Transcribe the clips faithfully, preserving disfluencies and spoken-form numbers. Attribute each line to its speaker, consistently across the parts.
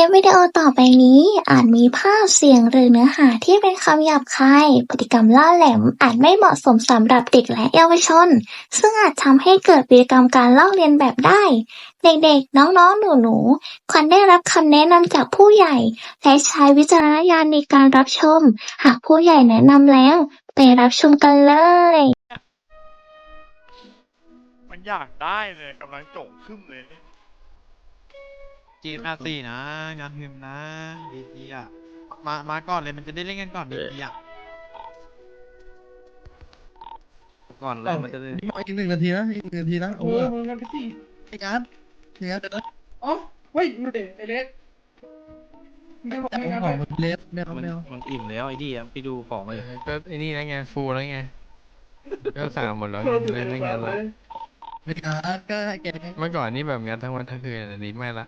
Speaker 1: ลิปวิดีโอต่อไปนี้อาจมีภาพ เสียง หรือเนื้อหาที่เป็นคำหยาบคาย พฤติกรรมล่าแหลมอาจไม่เหมาะสมสำหรับเด็กและเยาวชน ซึ่งอาจทำให้เกิดพฤติกรรมการลอกเลียนแบบได้ เด็กๆ น้องๆ หนูๆ ควรได้รับคำแนะนำจากผู้ใหญ่ และใช้วิจารณญาณในการรับชม หากผู้ใหญ่แนะนำแล้ว ไปรับชมกันเลย
Speaker 2: มันอยากได้เลยกำลังโจ่งขึ้นเลย
Speaker 3: จีมาสี่นะงานพิมพ์นะดีดีอ่ะมามาก่อนเลยมันจะได้เล่นกันก่อนดีดีอ่ะก่อนเลยมันจะได้
Speaker 4: นี่มาอีกหนึ่งนาทีนะอีกหนึ่งนาทีนะโอ้
Speaker 5: โอ้
Speaker 4: โห
Speaker 5: โหกันไปสิ
Speaker 4: ไอ้การ์ดไอ้การ์ดเดี๋ยวนะ
Speaker 5: อ๋อเฮ้ยดูเด็ไอเล็กไม่บอก
Speaker 4: แต่
Speaker 5: ไม่
Speaker 4: ผม
Speaker 5: งั้น
Speaker 4: ข
Speaker 5: เล
Speaker 4: อย มันเล็บแมว
Speaker 6: มัน
Speaker 4: แมว
Speaker 6: มันอิ่มแล้วไอ้ดีอ่ะไปดูของเลย
Speaker 7: ก็ไอ้นี่แล้วไงฟูแล้วไงก็สั่งหมดแล้ว
Speaker 5: โดน
Speaker 7: เล่นได้
Speaker 5: แบ
Speaker 7: ไง
Speaker 5: บเล
Speaker 7: ล่ะ
Speaker 5: ย
Speaker 4: ไอ้การ์ดก็ให้แก
Speaker 7: เมื่อก่อนนี่แบบงั้นทั้งวันทั้งคืนแต่นี้ไม่ละ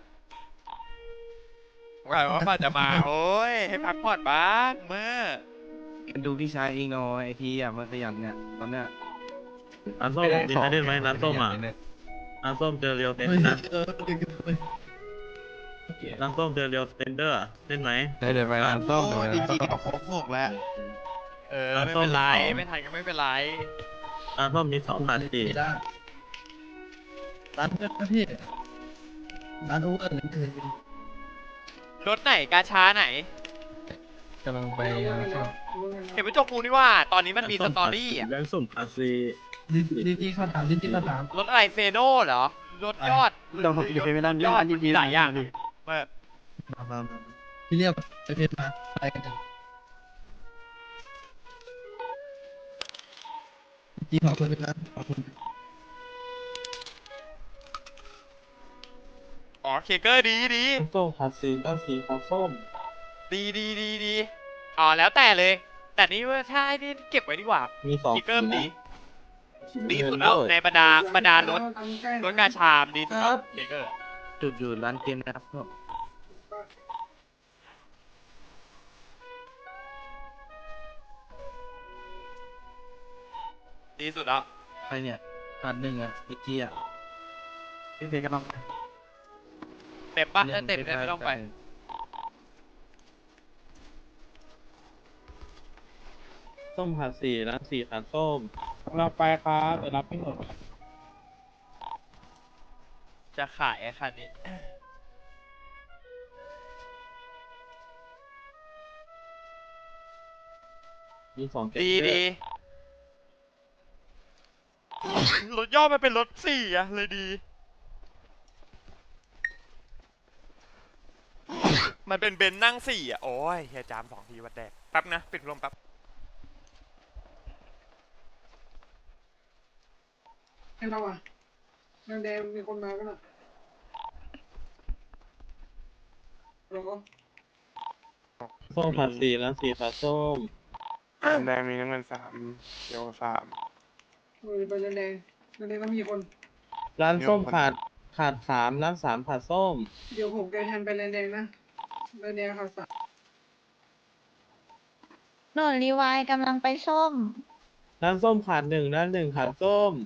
Speaker 2: ว่าว่าป้าจะมา โอ้ย ให้พักผ่อนบ้างเมื่อ
Speaker 6: ดูพี่ชายเองหน่อยไอทีอ่ะมันขยันเนี่ยตอนเนี้ย
Speaker 8: ร้านส้มมีใครเล่นไหมร้านส้มอ่ะร้านส้มเจอเรียวเซน
Speaker 4: เฮ้ย
Speaker 8: นะ
Speaker 4: เออเดี๋ยวเฮ้ย
Speaker 8: ร้านส้มเจอเรียวเซนเดอร์เล่นไหม
Speaker 7: ได้เดี๋ยวไปร้านส้มเดี๋ยวไป
Speaker 3: ดี
Speaker 7: ร้าน
Speaker 3: จี
Speaker 7: ส้ม
Speaker 3: เอาครบหกแล้ว
Speaker 2: เออ ไม่เป็นไร ไม่ทันก็ไม่เป็นไร
Speaker 8: ร้านส้มมีสองพันสี่
Speaker 4: ร้านร้านเพื่อนนะพี่ร้านโอเวอร์เลย
Speaker 2: รถไหนกาช้าไหน
Speaker 7: กำลังไปร้านส้ม
Speaker 2: เห็นไปจกกูนี่ว่า ตอนนี้มันมีสตอรี่อ่ะ
Speaker 8: ร้านส้มพันสี่
Speaker 4: ดีดีดีข้าวถามดีดีข้าวถาม
Speaker 2: รถอะไรเฟโน่เหรอ รถยอด
Speaker 6: เราอยู่ไปไม่ได้
Speaker 2: ยอดมีหลายอย่างเมื่อ
Speaker 4: มามามาพี่เรียกไปเพจมาไปกันเถอะจีขอบคุณเป็นร้านขอบคุณ
Speaker 2: อ๋อเคเกอร์ดีดี
Speaker 8: ร้านส้มพันสี่ร้านสี่พันส้ม
Speaker 2: ดีดีดีดีอ๋อแล้วแต่เลย แต่นี่ว่าถ้าให้นี่เก็บไว้ดีกว่า
Speaker 8: มีสอง
Speaker 2: เคเกอร์ดี ดีสุดแล้วในบรรดาบรรดารถรถกาชามดีสุดแล้วเคเกอร์
Speaker 6: จุดอยู่ร้านเกมนะครับพวก
Speaker 2: ดีสุดแล้ว
Speaker 6: ใครเนี่ยพันหนึ่งอ่ะไอทีอ่ะพี่เพชรกำลัง
Speaker 2: เต็มปะถ้าเต็มเนี่ยไม่ต้องไป
Speaker 8: ส้มพันสี่ร้านสี่พันส้ม
Speaker 5: เราไปครับแต่รับไม่หมด
Speaker 2: จะขายไอ้คันนี้
Speaker 8: มีสอง
Speaker 2: ดีดีรถย่อมันเป็นรถสี่อะเลยดี มันเป็นเบนซ์นั่งสี่อะโอ้ยเฮียจามสองทีวัดแดกแป๊บนะ ปิดพัดลมแป๊บ
Speaker 5: ให้เราอ่ะแดงๆมีคนมากันอ่ะเราก็
Speaker 8: ส้มพันสี่ร้านสี่พันส้ม
Speaker 9: แดงมีน้ำเงินสามเขียวสาม
Speaker 5: เออไปแดงๆแดงๆต้องมีคน
Speaker 8: ร้านส้มขาดขาดสามร้านสามขาดส้ม
Speaker 5: เดี๋ยวผมแกแทนไปแดงๆนะแดงๆค่ะสัตว์
Speaker 10: หนูรีไวายกำลังไปส้ม
Speaker 8: ร้านส้มขาดหนึ่งร้านหนึ่งขาดส้ม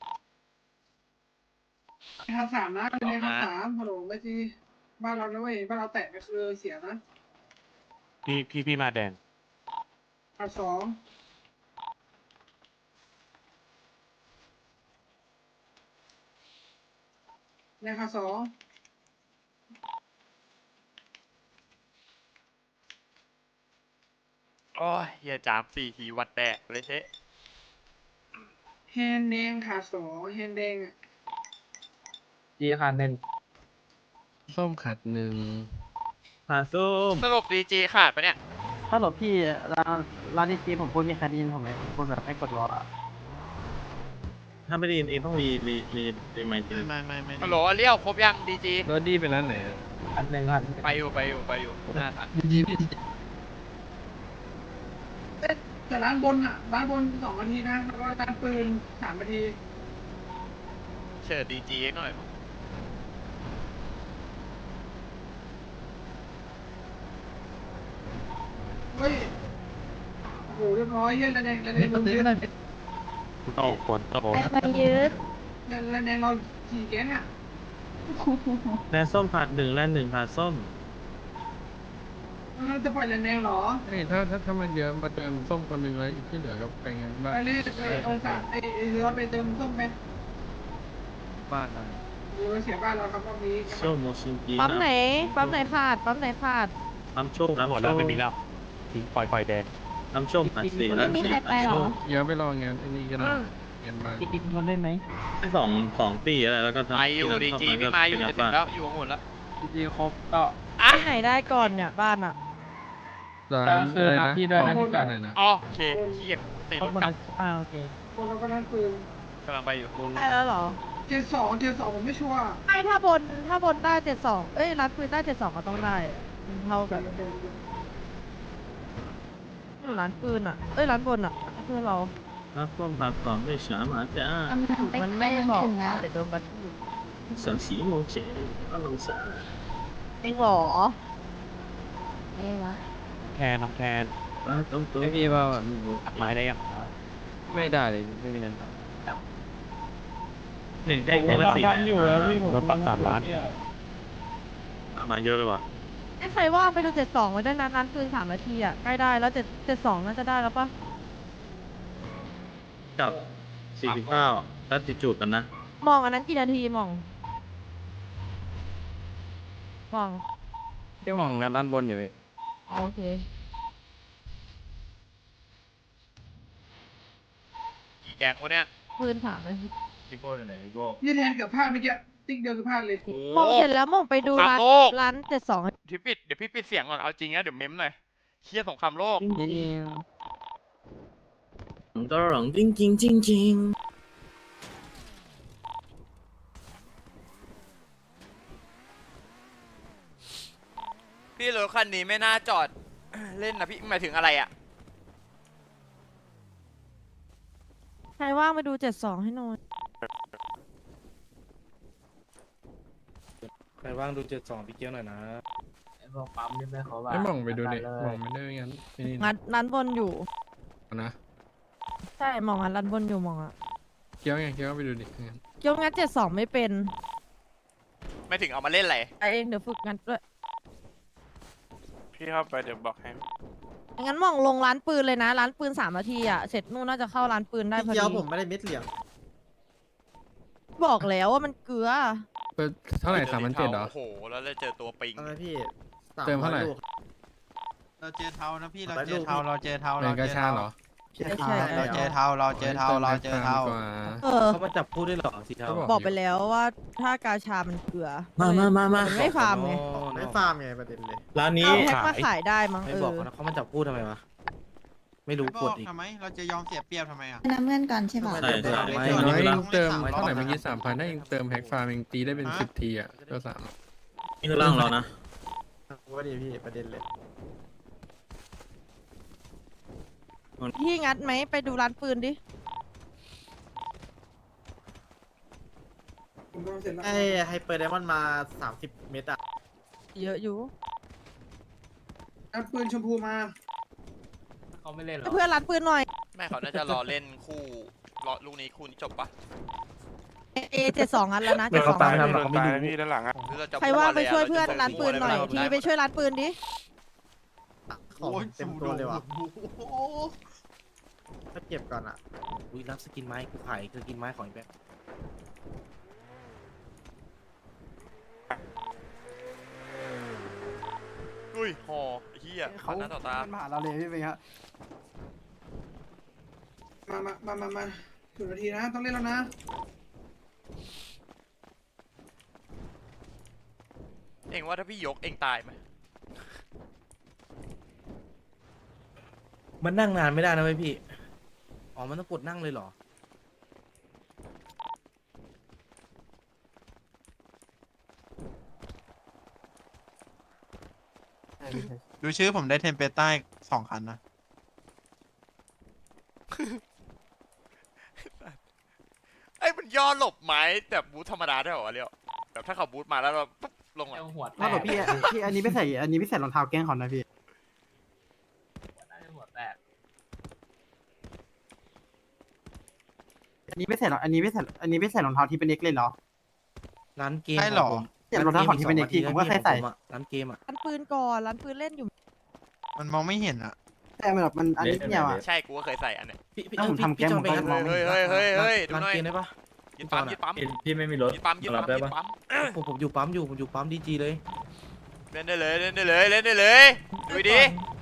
Speaker 5: ขาดสามนะแดงๆขาดสามฮัลโหลไม่จีบ้านเรานะเว้ยบ้านเราแตะไปคือเสียนะ
Speaker 9: พี่พี่พี่มาแดง
Speaker 5: ขาดสองแดงขาดสอง
Speaker 2: โอ้ยเฮียจามสี่ทีวัดแดกเลยเชะ
Speaker 5: แฮนแดงขาดสองแฮนแดงอ่ะ
Speaker 8: จีขาดหนึ่ง
Speaker 7: ส้มขัดหนึ่ง
Speaker 8: ขาดส้ม
Speaker 2: สรุปดีจีขาดปะเนี่ย
Speaker 6: ถ้าหลบพี่ร้านร้านที่จีผมพูดมีใครได้ยินผมไหมพูดแบบให้กดรออ่ะ
Speaker 8: ถ้าไม่ได้ยินเองต้องรีรีรีรีไมค์ที
Speaker 3: ไม่ไม่ไม่
Speaker 2: ฮัลโหลเลี้ยวครบยังดีจี
Speaker 7: รถดีเป็นร้านไหนอะ
Speaker 8: อันหนึ่งอัน
Speaker 2: ไปอยู่ไปอยู่ไปอยู่หน้าทัน
Speaker 4: ดีดีพี่
Speaker 5: แต่ร้านบนอ่ะร้านบนสองนาทีนะแล้วก็ร้านปืนสามนาที
Speaker 2: เชิญดีจีหน่อย
Speaker 5: เฮ้ยโอ้โหเรียบร้อยเฮ้ยระแดงระแด
Speaker 4: เฮ้ย
Speaker 5: ง
Speaker 4: มั
Speaker 5: เรา
Speaker 4: นซื้อ
Speaker 5: เย
Speaker 4: ไม่
Speaker 5: อะ
Speaker 4: ได้
Speaker 8: โตฝนโต
Speaker 10: ไปมายืด
Speaker 5: ระแดงเราขี่แก๊งอ่ะ
Speaker 8: แลนส้มขาดหนึ่งแลนหนึ่งขาดส้ม
Speaker 5: เราจะปล่อยแรงๆเหรอ
Speaker 7: เฮ้ยถ้าถ้าถ้ามันเยอะมาเติมส้มคนหนึ่งแล้วอีกที่เหลือก็ไปงานบ้าน
Speaker 5: ไปเลยไปองศาไอ้ไอ้เราไปเติมส้มไหม
Speaker 7: บ้านนะ
Speaker 5: หรือเสียบ้านเราครับรอบนี้
Speaker 8: ส้มโมชินจี
Speaker 10: ปั๊มไหน ปั๊มไหนขาด ปั๊มไหนขาด
Speaker 8: น้ำส้มน้ำหมดแล้วไม่มีแล้วทิ้งปล่อยปล่อยแดงน้ำส้มอัดสี
Speaker 10: ไม่มีใครไปหรอ
Speaker 7: เยอะไปรองานไอ้นี่ก็ได้งานบ้าน
Speaker 6: กินคนได้ไหม
Speaker 8: สองสองปีอะไรแล้วก็
Speaker 2: ไออยู่ดีจีพี่มาอยู่จะถึงแล้วอยู่หมดแล้ว
Speaker 6: จริงๆครบก็
Speaker 2: อ่ะ
Speaker 10: ที่ไหนได้ก่อนเนี่ยบ้านอ่ะ
Speaker 7: ร้านอะไรนะ
Speaker 6: พี่ด้วยนะ
Speaker 7: ของอะไรนะ
Speaker 2: อ๋อโอเคเขียเตะ
Speaker 6: คร
Speaker 2: ร
Speaker 6: บ
Speaker 2: ถ
Speaker 6: หมด
Speaker 2: กลั
Speaker 6: แล้
Speaker 2: บ
Speaker 6: วอ่าโอเค
Speaker 5: คนเราก็นั่นปืน
Speaker 2: กำลังไปอยู่
Speaker 10: ได้แล้วเหรอ
Speaker 5: เทียร์สองเทียร์สองผมไม่ชัวร์
Speaker 10: ไม่ถ้าบน ถ้าบนได้เจ็ดสองเอ้ยร้านปืนได้เจ็ดสองก็ต้องได้มันเท่ากันร้านปืนอ่ะ เอ้ยร้านบนอ่ะเพื่อนเรา
Speaker 8: น้ำส้มผัดก่อนด้วยฉาหมาจ้า
Speaker 10: มันไม่บอกแต่โดนบัตร
Speaker 8: สามสีโมเชอลังสา
Speaker 10: จริงเหรอเอ้วะ
Speaker 7: แทนน้องแทน
Speaker 8: ปลาต้มตัว
Speaker 7: ไม่พี่ว่า
Speaker 8: ตัดไม้ได้ยัง
Speaker 7: ไม่ได้เลยไม่มีเงิน
Speaker 8: หนึ่งได้แค่ละสี่
Speaker 6: อยู่แล้วพี่ผม
Speaker 7: รถปักสามล้าน
Speaker 8: มาเยอะเลยว่ะ
Speaker 10: ไอ้ใครว่างไปดูเจ็ดสองไว้ได้นานร้านปืนสามนาทีอ่ะใกล้ได้แล้วเจ็ดเจ็ดสองน่าจะได้แล้วปะ
Speaker 8: กับสี่สิบเก้าแล้วติดจูดกันนะ
Speaker 10: มองอันนั้นกี่นาทีมอง มอง
Speaker 7: เที่ยวมองงานด้านบนอยู่เลย
Speaker 10: โอเค
Speaker 2: กี่แกงวะเนี่ย
Speaker 10: ปืนถามเลย
Speaker 8: พี่โก้อยู่ไหนพี่โก้
Speaker 5: ยี่แทนเกือบพลาดเมื่อกี้ติ๊กเดียวคือพลาดเลย
Speaker 10: มองเสร็จแล้วมองไปดูร้าน
Speaker 2: โลก
Speaker 10: ร้านเจ็ดสอง
Speaker 2: ที่ปิดเดี๋ยวพี่ปิดเสียงก่อนเอาจริงนะเดี๋ยวเม้มหน่อยเครียดสงครามโลก
Speaker 8: ตหลังจริงจริงจริงจริง
Speaker 2: พี่รถคันนี้ไม่น่าจอด เล่นนะพี่หมายถึงอะไรอ่ะ
Speaker 10: ใครว่างไปดูเจ็ดสองให้หน่อย
Speaker 4: ใครว่างดูเจ็ดสองพี่เกี้ยวหน่อยนะ
Speaker 6: พวกปั๊มนี่ไม่เขาว่า
Speaker 7: ไม่มองไปดูดิมองไม่ได้งั้นไอ้นี่
Speaker 10: งัดร้านบนอยู่
Speaker 7: นะ
Speaker 10: ใช่มองงัดร้านบนอยู่มองอ่ะ
Speaker 7: เกี้ยวไงเกี้ยวไปดูดิงั้น
Speaker 10: ยกงัดเจ็ดสองไม่เป็น
Speaker 2: ไม่ถึงเอามาเล่นอะไร
Speaker 10: ไอเองเดี๋ยวฝึกงัดด้วย
Speaker 9: พี่เข้าไปเดี๋ยวบอกให้
Speaker 10: งั้นมองลงร้านปืนเลยนะ ร้านปืนสามนาทีอ่ะ เสร็จนู่นน่าจะเข้าร้านปืนได้พอ
Speaker 4: พี่เกี้ยว
Speaker 10: ดี
Speaker 4: ผมไม่ได้เม็ดเหลี่ยม
Speaker 10: บอกแล้วว่ามันเกลือ
Speaker 7: เปิดเท่าไหร่สามพันเจ็ดเหรอ
Speaker 2: โอ้โหแล้วเลยเจอตัวปิง
Speaker 4: ทำไมพี่ส
Speaker 7: เติมเท่าไหร่
Speaker 4: อยลูก
Speaker 3: เราเจอเทานะพี่เรา
Speaker 4: ไป
Speaker 3: เจ
Speaker 4: ดู
Speaker 3: อเทาเราเจอเทา
Speaker 7: แร
Speaker 3: เรา
Speaker 7: ง
Speaker 3: เจ
Speaker 7: กระ
Speaker 3: อ
Speaker 7: ชา
Speaker 3: เทา
Speaker 7: เหรอ
Speaker 10: ไม่ใช่
Speaker 3: เราเจอเทาเราเจอเทาเราเจอเทา
Speaker 7: ติมแพ็คฟร์มดีกว่า
Speaker 10: เออ
Speaker 4: เขามาจับคู่ด้วยเหรอสีเทา
Speaker 10: บอกไปแล้วว่าถ้ากาชามันเกลือ
Speaker 8: มามามามา
Speaker 10: นไม่ฟาร์มไง
Speaker 4: ไม่ฟาร์มไงประเด็นเลย
Speaker 8: ร้านนี้
Speaker 10: เอาแพ็คมาขายได้มั้ง
Speaker 4: ไม่
Speaker 10: เอ
Speaker 4: บอก
Speaker 10: อ
Speaker 4: เขานะเขามาจับคู่ทำไมวะ ไม่รู้
Speaker 3: ไม่
Speaker 4: ก
Speaker 3: บอ
Speaker 4: ด
Speaker 3: ก
Speaker 4: อีก
Speaker 3: ทำไมเราจะยอมเสียเปรียบทำไมอ่ะ
Speaker 10: น้ำเงินก่อนใช่ป่ะ
Speaker 8: ใช่ใช่
Speaker 4: ไม่
Speaker 7: อย่างน้อย
Speaker 8: ไม่
Speaker 7: เอง
Speaker 8: ไม่
Speaker 7: เติม
Speaker 3: ไม่
Speaker 7: เท่าไหร่
Speaker 3: ไม่
Speaker 7: เมื่อกี้สามพันถ้าเองเติมแพ็คฟาร์มเองตีได้เป็น
Speaker 3: ฮะ
Speaker 7: สิบทีอ่ะตัวสาม
Speaker 8: นี่คือร่างเรานะ
Speaker 4: ว่าดีพี่ประเด็นเลย
Speaker 10: พี่งัดไหมไปดูร้านปืนดิ
Speaker 5: ผมทำเสร็จแล้ว
Speaker 4: ไอ้ไฮเปอร์ไดมอนด์มาสามสิบเมตรอะ
Speaker 10: เยอะอยู่
Speaker 5: อันปืนชมพูมา
Speaker 6: เขาไม่เล่นหรอ
Speaker 10: เพื่อนร้านปืนหน่อย
Speaker 2: แม่เขาน่าจะรอเล่นคู่รอลูกนี้คู่นี้จบปะ
Speaker 10: เอเจ็ดสองงัดแล้วนะ
Speaker 9: เดี๋
Speaker 10: เจ็
Speaker 9: ยว
Speaker 10: ดส
Speaker 9: เขา
Speaker 10: อง
Speaker 9: ตายนะเขาไม่ดูพี่ด้านหลังอ่ะ
Speaker 2: หรือเราจะ
Speaker 10: ใครว่างไป
Speaker 2: มั่
Speaker 10: ช่วย
Speaker 2: ละ
Speaker 10: เพื่อน
Speaker 2: จะ
Speaker 10: ร้านปืนหน่อย
Speaker 2: มั่ว
Speaker 10: ที
Speaker 2: เลย
Speaker 10: ไปช่วยร้านปืนดิ
Speaker 4: ของเต็มตัวเลยว่ะถ้าเก็บก่อนอะอุ้ยรับสกินไม้กูขายสกินไม้ของอีกแบบ
Speaker 2: อุ้ยหอไอ้เฮียขอหน้าต่อตา
Speaker 6: มาหาเราเลยพี่เป็นครับ
Speaker 5: มามามามามาถึงนาทีนะ ต้องเล่นแล้วนะ
Speaker 2: เองว่าถ้าพี่ยกเองตายไหม
Speaker 4: มันนั่งนานไม่ได้นะเว้ยพี่ อ๋อ มันต้องกดนั่งเลยเหรอ
Speaker 3: ดูชื่อผมได้เทมเปใต้สองคันนะ
Speaker 2: ไอ้ยมันย่อหลบไม้แต่บูทธรรมดาได้เหรอวะเลี้ยวแบบถ้าเขาบูทมาแล้วเราปุ๊บลงอ่ะ
Speaker 6: หัวแต
Speaker 11: ถ้าก บอกพี่พี่อันนี้ไม่ใส่อันนี้ไม่ใส่รองเท้าแกล้งเขานะพี่
Speaker 6: หัวแตก
Speaker 11: อันนี้ไม่ใส่รองอันนี้ไม่ใส่อันนี้ไม่ใส่รองเท้าที่เป็นเน็กเลยเหรอ
Speaker 4: ร้านเกม
Speaker 3: ใช่เหรอ
Speaker 4: ขงผม
Speaker 11: ใส่รองเท้าของที่เป็นเด็กที่ผมก็ใส่ใส่
Speaker 4: ร้านเกมอะ
Speaker 10: ร้านปืนก่อนร้านปืนเล่นอยู่
Speaker 3: มันมองไม่เห็นอ่ะ
Speaker 11: แต่มันแบบมันอันนิดเดียวอ่ะ
Speaker 2: ใช่กูก็เคยใส่อันเนี้ย
Speaker 11: ถ้าผมทำแก้มผมก็มองไม่
Speaker 2: เฮ้ย
Speaker 11: เห็น
Speaker 2: เฮ้ยเฮ้ยเฮ้ยดู
Speaker 4: ร้าน
Speaker 2: หน่อย
Speaker 4: เกมได้ปะ
Speaker 2: ยึดปั๊มยึดปั๊ม
Speaker 8: พี่ไม่มีรถ
Speaker 2: ยึดปั๊มยึดปั๊ม
Speaker 8: รับได้
Speaker 2: ยึด
Speaker 8: ปะ
Speaker 2: ปั๊ม
Speaker 4: ผมผมอยู่ปั๊มอยู่ผมอยู่ปั๊มดีจีเลย
Speaker 2: เล่นได้เลยเล่นได้เลยเล่นได้เลยดูดิ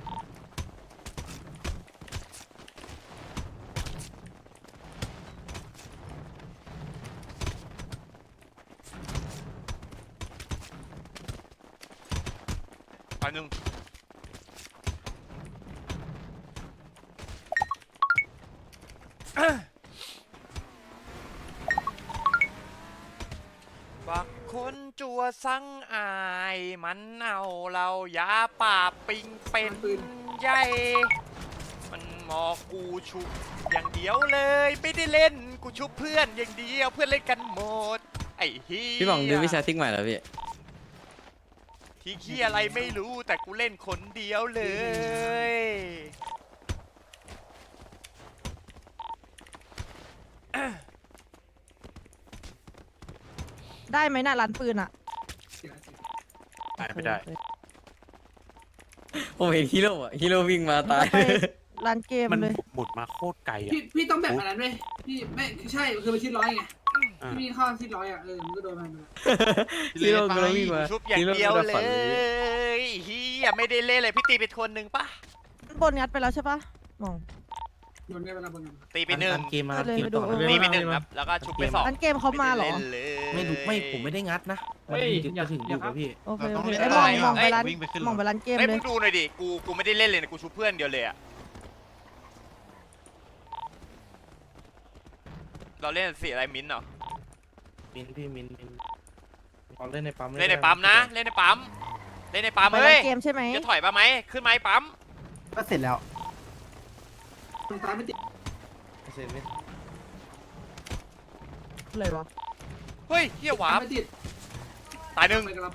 Speaker 2: อันหนึ่งบักคนจัวสังอายมันเอาเรายาป่าปิงเป็นใหญ่มันมอกูชุบอย่างเดียวเลยไม่ได้เล่นกูชุบเพื่อนอย่างเดียวเพื่อนเล่นกันหมดไอ้เฮีย
Speaker 7: พี่บองดูวิชาทิกใหม่แล้วพี่
Speaker 2: ที่เฮียอะไรไม่รู้แต่กูเล่นคนเดียวเลย
Speaker 10: ได้ไหมน่ะร้านปืนอ่ะ
Speaker 2: ไม่ได้
Speaker 7: ผมเห็นฮีโร่อะฮีโร่วิ่งมาตาย
Speaker 10: ไปร้านเกมเลย
Speaker 2: หมุดมาโคตรไกลอ่ะ
Speaker 5: พี่พี่ต้องแบบอันนั้นไหมพี่ไม่ใช่คือมันชิ้นร้อยไงพี่มีข้าวชิ้นร้อยอ่ะเออมันก็โดนมัน
Speaker 7: ฮีโร่กำลังวิ่งมา
Speaker 2: ชุบอย่างเดียวเลยเฮียไม่ได้เล่นเลยพี่ตีไปทวนหนึ่งปะ
Speaker 10: บนงัดไปแล้วใช่ปะมอง
Speaker 5: โดนได้เวลาบนนั้น
Speaker 2: ตีไปหนึ่ง
Speaker 4: ร้านเกมมา
Speaker 10: เออเลย
Speaker 4: เกมต่อ
Speaker 10: ไปดู
Speaker 2: ตีไปหนึ่งครับแล้วก็ชุบไปสอง
Speaker 10: ร้านเกมเขามาเหรอ
Speaker 2: ไได้ล่นเลย
Speaker 4: ไม่รู้ไม่ผมไม่ได้งัดนะไม่จะถึงอยู่กับพี่
Speaker 10: โอเค
Speaker 3: เรา
Speaker 10: โอ
Speaker 3: ต้อง
Speaker 10: เค
Speaker 3: เล่น
Speaker 10: ไอ้ย
Speaker 3: ต่
Speaker 10: ม
Speaker 3: อ
Speaker 10: องมองไปร้าน
Speaker 3: วิ่งไปขึ้นรถ
Speaker 10: มองไปร้านเกม
Speaker 2: เฮ้ย
Speaker 10: เล
Speaker 2: มึ
Speaker 10: ย
Speaker 2: งดูหน่อยดิกูกูไม่ได้เล่นเลยนะกูชุบเพื่อนเดียวเลยอะเราเล่นสีอะไรมิ้นท์เหรอ
Speaker 4: มินพี่มินมินเอาเล่นในปั๊ม
Speaker 2: เล่นในปั๊มนะเล่นในปั๊มเล่นในปั๊ม
Speaker 10: ไป
Speaker 2: เฮ้
Speaker 10: ร้าย นเกมใช่ไหม
Speaker 2: จะถอยมาไหมขึ้นไหมปั๊ม
Speaker 11: ก็เสร็จแล้ว
Speaker 5: ตรงซ้ายไม่ติด
Speaker 4: เสร็จไหม
Speaker 10: เลยวะ
Speaker 2: เฮ้ยเฮียวาร์ป
Speaker 5: ไม่ติด
Speaker 2: ตายหนึ่ง
Speaker 5: ไปกันเราไป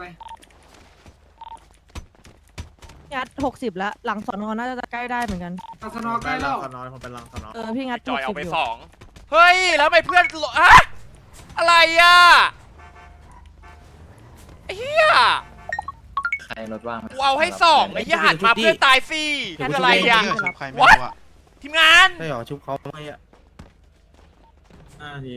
Speaker 10: งัดหกสิบแล้วหลังสอนอน่าจะใกล้ได้เหมือนกัน
Speaker 5: เอาสนอใกล้แล้ว
Speaker 4: สนอผมเป็นลังสนอ
Speaker 10: เออพี่งัด
Speaker 2: จอย
Speaker 10: ห
Speaker 2: เอา
Speaker 10: กสิบ
Speaker 2: ไป
Speaker 10: อยู่
Speaker 2: สองเฮ้ยแล้วทำไมเพื่อนหลอะอะไรอะไอ้เฮีย
Speaker 6: ใครรถว่าง
Speaker 2: กูเอาให้สองไอ้เหี้ยหันมาเพื่อนตายสิคืออะไรอะ
Speaker 3: ชุบใครไม่รู้อะ
Speaker 2: ทีมงาน
Speaker 4: ใช่หรอชุบเขาไม่อะ
Speaker 8: ห้านาที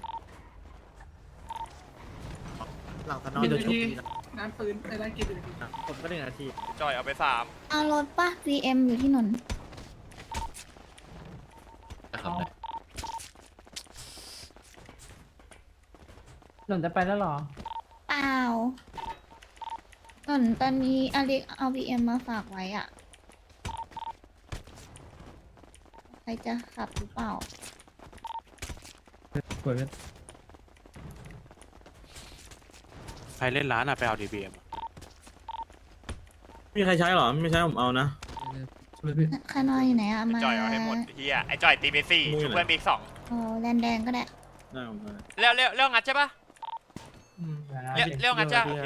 Speaker 4: หลังสนอจะชุบดีนะ
Speaker 5: น้ำปืนไอ้ร้านเกมเป็น
Speaker 4: ผมก็หนึ่งนาที
Speaker 2: จอยเอาไปสาม
Speaker 1: เอารถป่ะ ซี เอ็ม อยู่ที่นนท์
Speaker 6: หล่นจะไปแล้วหรอ
Speaker 1: เปล่าส่วนตอนนี้อเล็กเอา บี เอ็ม มาฝากไว้อ่ะ ใครจะขับหรือเปล่า
Speaker 9: ใครเล่นร้านอะไปเอาดีบีเอ็ม
Speaker 8: มีใครใช้หรอไม่ใช้ผมเอานะ
Speaker 1: คานอยอยู่ไหนอ่ะ มา
Speaker 2: จอยเอาให้หมดเฮียไอ้จอยตีไปสี่ชุบเพื่อนไปอีกสอง
Speaker 1: โอ้แดนแดงก็ได้
Speaker 8: ได้ผมได้
Speaker 2: เร็วเร็วเร็วงัดใช่ปะเร็วเร็วงัดจ้าโอเค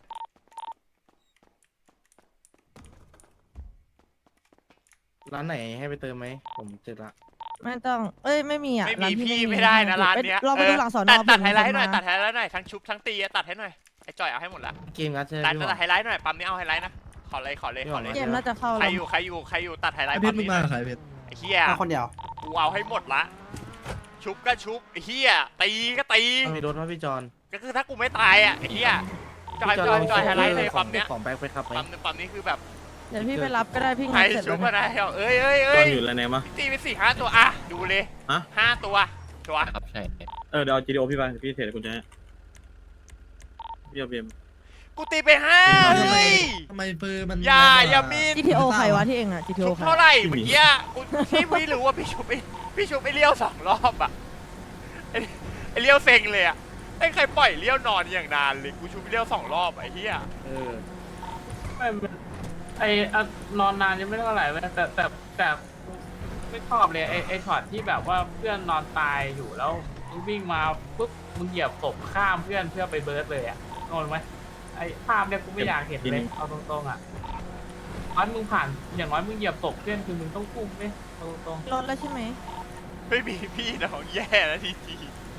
Speaker 4: ร้านไหนให้ไปเติมไหมผมเจอละ
Speaker 10: ไม่ต้อง เอ้ยไม่มีอ่ะ
Speaker 2: ไม่
Speaker 10: ร้า
Speaker 2: มี
Speaker 10: น
Speaker 2: พี่ไม่ได้นะร้านเนี้ย
Speaker 10: เราไปดูหลังสอนอ
Speaker 2: ตัดตัด
Speaker 10: เผื่อ
Speaker 2: ไฮไลท์ให้หน่อย
Speaker 10: มีคนมา
Speaker 2: ตัดไฮไลท์หน่อยทั้งชุบทั้งตีอะตัดให้หน่อยไอ้จอยเอาให้หมดละ
Speaker 4: เกมงัดใช่ไหม
Speaker 2: ตัด
Speaker 4: พี่หมอ
Speaker 2: ตัดไฮไลท์หน่อยปั๊มนี้เอาไฮไลท์นะขอเลยขอเลยขอเลย
Speaker 10: เกมน่าจะเข้า
Speaker 2: ใคร
Speaker 10: แล้ว
Speaker 2: อยู่ใครอยู่ใครอยู่ตัดไฮไลท์
Speaker 4: เพ
Speaker 2: ปั๊
Speaker 4: ช
Speaker 2: ม
Speaker 4: รมึง
Speaker 2: นี้
Speaker 4: มาใครเพชร
Speaker 2: ไอ้เฮีย
Speaker 11: มาคนเดียว
Speaker 2: กูเอาให้หมดละชุบก็ชุบไอ้เฮียตีก็ตี
Speaker 4: มีรถว่าพี่จอน
Speaker 2: ก็คือถ้ากูไม่ตายอ่ะไอ้เฮียจอยจอยจอยไฮไลท์เลยปั๊มเนี้ย
Speaker 4: ของแบ็คไปครับไหม
Speaker 2: ปั๊มนึงปั๊มนี้คือแบบ
Speaker 10: เดี๋ยวพี่ไปรับก็ได้พี่
Speaker 2: ใคร
Speaker 10: งัดเสร็จ
Speaker 2: ชุ
Speaker 10: แล้
Speaker 2: บ
Speaker 10: ว
Speaker 2: มา
Speaker 10: เนี่ย
Speaker 2: ได้เหรอเอ้ยเอ้ย
Speaker 8: ต
Speaker 2: เอ้
Speaker 8: อย นอยู่แล้วไหนมะ
Speaker 2: ตีไปสี่ห้าตัวอ่ะดูเลย
Speaker 8: ฮะ
Speaker 2: ห้าตัวตัว
Speaker 6: ครับใช่
Speaker 8: เออเดี๋ยวเอาจีดีโอพี่ไปพี่เทรดกุญแจให้พี่เอาเบียม
Speaker 2: กูตีไปห้าเฮ้ย
Speaker 4: ทำไมปืนมัน
Speaker 2: อย่าอย่ามีน
Speaker 10: จี ที โอ ใครวะที่เองอ่ะ จี ที โอ
Speaker 2: ชุบ
Speaker 10: ใคร
Speaker 2: เท่าไหร่เมื่อกี้อะกูที่ไม่รู้ว่าพี่ชุบไปพี่ชุบไปเลี้ยวสองรอบอ่ะไอ้ไอ้เลี้ยวเซ็งเลยอ่ะไอ้ใครปล่อยเลี้ยวนอนอย่างนานเลยกูชุบไปเลี้ยวสองรอบไอ้เหี้ย
Speaker 4: เออ
Speaker 6: ไม่ไอ้นอนนานยังไม่เท่าไหร่เว้ยแต่แต่แต่ไม่ชอบเลยไอ้ไอ้ช็อตที่แบบว่าเพื่อนนอนตายอยู่แล้วมึงวิ่งมาปุ๊บมึงเหยียบศพข้ามเพื่อนเพื่อไปเบิร์ดเลยอ่ะงงไหมไอ้ภาพเนี่ยกูไม่อยากเห็นเลยเอาตรงๆอ่ะน้อยมึงผ่านอย่างน้อยมึงเหยียบศพเพื่อนคือมึงต้องพุ่งไหมเอาตรง
Speaker 10: รถแล้วใช่ไหม
Speaker 2: ไม่มีพี่น้องแย่แล้วทีทีม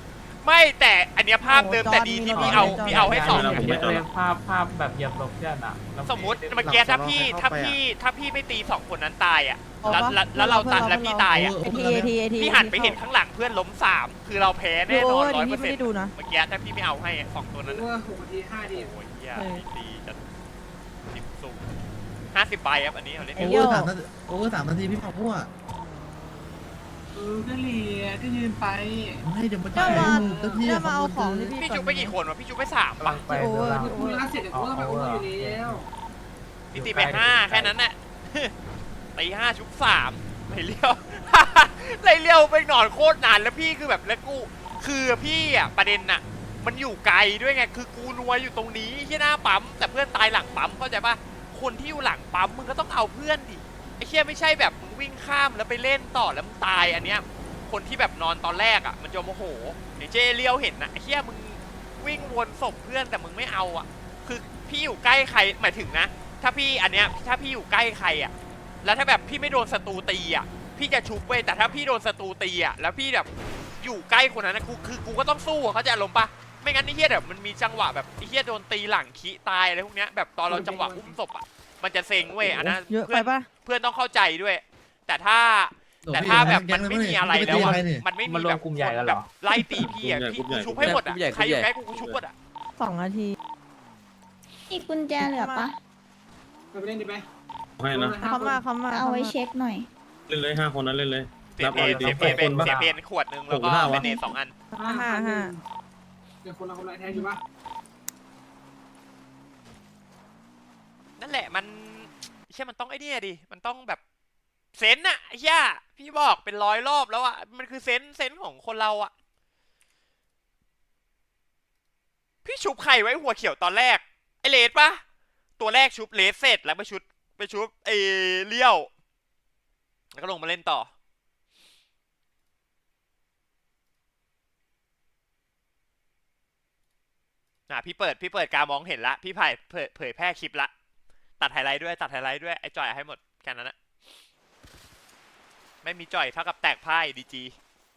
Speaker 2: ไม่แต่อันเนี้ยภาพเดิมแต่ดีที่พี่เอาพี่เอาให้สอง
Speaker 6: เยอะเลยภาพภาพแบบเหยียบหลบเพื่อนอ่ะแล้ว
Speaker 2: สมมุติเมื่อกี้ถ้าพี่ถ้าพี่ถ้าพี่ไม่ตีสองคนนั้นตายอ่ะแล้วแล้วแล้วเราตัดแล้วพี่ตายอ่ะ
Speaker 10: ไอทีไอทีไอที
Speaker 2: พี่หันไปเห็นข้างหลังเพื่อนล้มสามคือเราแพ้แน่นอนร้อยเปอร์
Speaker 10: ไม่
Speaker 2: เซ็นต์
Speaker 10: ได้ดูนะ
Speaker 2: เมื่อกี้ถ้าพี่ไม่เอาให้สองตัวนั้น
Speaker 5: รู้ว่าหกนาทีห้านาที
Speaker 2: โอ้ยเหี้ยพี่ตีจะสิบสูงห้าสิบใบครับอันนี้เขาเล่น
Speaker 10: ไอ้
Speaker 4: โอ
Speaker 10: เหี้
Speaker 4: เวย อร์สามนาทีโอเวอร์สามนาทีพี่บอกมั่ว
Speaker 5: เออก็เหลียก็ยืนไป
Speaker 4: ไม่เดี๋ยวมัน
Speaker 10: เจ้ามา
Speaker 4: เจ้าที่
Speaker 10: เจ้ามาเอาของที่พี่
Speaker 2: พี่ชุบไปกี่คนวะพี่ชุบไปสาม
Speaker 6: กำลั
Speaker 2: ปะ
Speaker 6: งไป
Speaker 10: โอเวอร์
Speaker 6: ดู
Speaker 5: คุยรักเสร็จเดี๋ยวกูก็ไปโอเวอร์อยู่แล้ว
Speaker 2: พี่ตีไปห้าแค่นั้นแหละ ตีห้าชุบสามไรเลี้ยว ไรเลี้ยวไปนอนโคตรนานแล้วพี่คือแบบแล้วกูคือพี่อ่ะประเด็นน่ะมันอยู่ไกลด้วยไงคือกูนัวอยู่ตรงนี้ที่หน้าปั๊มแต่เพื่อนตายหลังปั๊มเข้าใจปะคนที่อยู่หลังปั๊มมึงก็ต้องเอาเพื่อนดิไอ้เชี่ยไม่ใช่แบบมึงวิ่งข้ามแล้วไปเล่นต่อแล้วมึงตายอันเนี้ยคนที่แบบนอนตอนแรกอ่ะมันจะโมโหไอ้เจเลี้ยวเห็นนะไอ้เชี่ยมึงวิ่งวนศพเพื่อนแต่มึงไม่เอาอ่ะคือพี่อยู่ใกล้ใครหมายถึงนะถ้าพี่อันเนี้ยถ้าพี่อยู่ใกล้ใครอ่ะแล้วถ้าแบบพี่ไม่โดนศัตรูตีอ่ะพี่จะชุบเว้ยแต่ถ้าพี่โดนศัตรูตีอ่ะแล้วพี่แบบอยู่ใกล้คนนั้นนะกูคือกูก็ต้องสู้อะเขาใจอารมณ์ปะไม่งั้นไอ้เหี้ยแบบมันมีจังหวะแบบไอ้เหี้ยโดนตีหลังขี้ตายอะไรพวกเนี้ยแบบตอนเราจังหวะอุ้มศพอ่ะมันจะเซ็งเว้ยอันนั้น
Speaker 10: เยอะ
Speaker 2: เพื่
Speaker 10: ไป
Speaker 2: อน
Speaker 10: ปะ
Speaker 2: เพื่อนต้องเข้าใจด้วย แต่ถ้าแต่ถ้าแบบมันไม่มีอะไรแล้วอะมันไม่
Speaker 6: มัน
Speaker 2: มี
Speaker 6: รว
Speaker 2: แบ
Speaker 6: ม
Speaker 2: บ
Speaker 6: กลุ่มใหญ่แล้วเห
Speaker 2: แบ
Speaker 6: ร
Speaker 2: บ
Speaker 6: อ
Speaker 2: ไล่ตีพี่อ่ะพี่กูชุบให้หมดอ่ะใครอยู่ใกล้กูกูชุบหมดอ่ะ
Speaker 10: สองนาที
Speaker 12: มีกุญแจเหลือปะ
Speaker 5: ไปเล่นดิไป
Speaker 8: ให้นะ
Speaker 10: เขามาเขามา
Speaker 12: เอาไว้เช็คหน่อย
Speaker 8: เล่นเลยห้าคนนั้นเล่นเลย
Speaker 2: เสีย
Speaker 8: รับ
Speaker 2: เพ
Speaker 8: เอา
Speaker 2: น
Speaker 8: ดี
Speaker 2: เสียเพน
Speaker 8: ๆ
Speaker 2: เป็น
Speaker 8: คนบ้า
Speaker 2: เสียเพนขวดหนึ่งแล้วก็
Speaker 8: หกห้าวะ
Speaker 2: เป็นเนสองอัน
Speaker 10: ห้าห้าห้า
Speaker 5: เดี๋ยวคนละคนละแทนอยู่ปะ
Speaker 2: นั่นแหละมันเชื่อมันต้องไอ้นี่ดิมันต้องแบบเซนส์อะไอ้เหี้ยพี่บอกเป็นร้อยรอบแล้วอะมันคือเซนส์เซนส์ของคนเราอะพี่ชุบใครไว้หัวเขียวตอนแรกไอเลสปะตัวแรกชุบเลสเสร็จแล้วไปชุบไปชุบไอเลี้ยวแล้วก็ลงมาเล่นต่ออ่ะพี่เปิดพี่เปิดการมองเห็นละพี่ผ่ายเผยเผยแพร่คลิปละตัดไฮไลท์ด้วยตัดไฮไลท์ด้วยไอจอยให้หมดแค่นั้นนะไม่มีจอยเท่ากับแตกพ่ายดีจี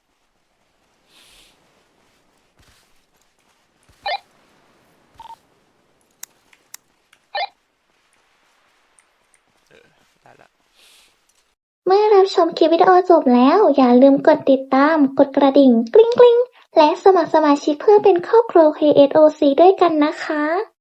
Speaker 2: เออได้ละ
Speaker 1: เมื่อรับชมคลิปวิดีโอจบแล้วอย่าลืมกดติดตาม กดกระดิ่งกริ๊งกริ๊งและสมัครสมาชิกเพื่อเป็นครอบครัว เค เอส โอ ซี ด้วยกันนะคะ